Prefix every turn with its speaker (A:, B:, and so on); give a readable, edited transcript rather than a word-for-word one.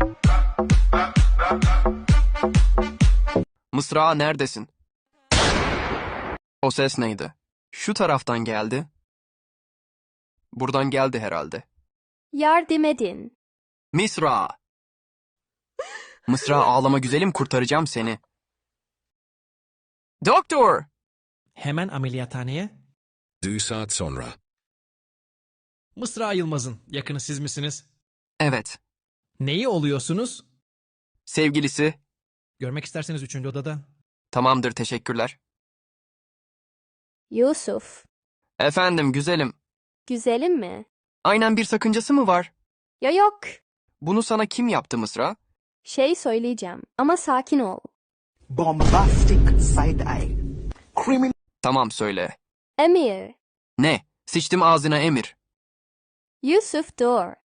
A: Mısra, neredesin? O ses neydi? Şu taraftan geldi. Buradan geldi herhalde.
B: Yardım edin.
A: Mısra! Mısra, ağlama güzelim, kurtaracağım seni. Doktor!
C: Hemen ameliyathaneye.
D: 2 saat sonra.
C: Mısra Yılmaz'ın yakını siz misiniz?
A: Evet.
C: Neyi oluyorsunuz?
A: Sevgilisi.
C: Görmek isterseniz 3. odada.
A: Tamamdır, teşekkürler.
B: Yusuf.
A: Efendim güzelim.
B: Güzelim mi?
A: Aynen, bir sakıncası mı var?
B: Ya yok.
A: Bunu sana kim yaptı Mısra?
B: Şey söyleyeceğim ama sakin ol.
E: Bombastic side eye. Criminal.
A: Tamam, söyle.
B: Emir.
A: Ne? Sıçtım ağzına Emir.
B: Yusuf dur.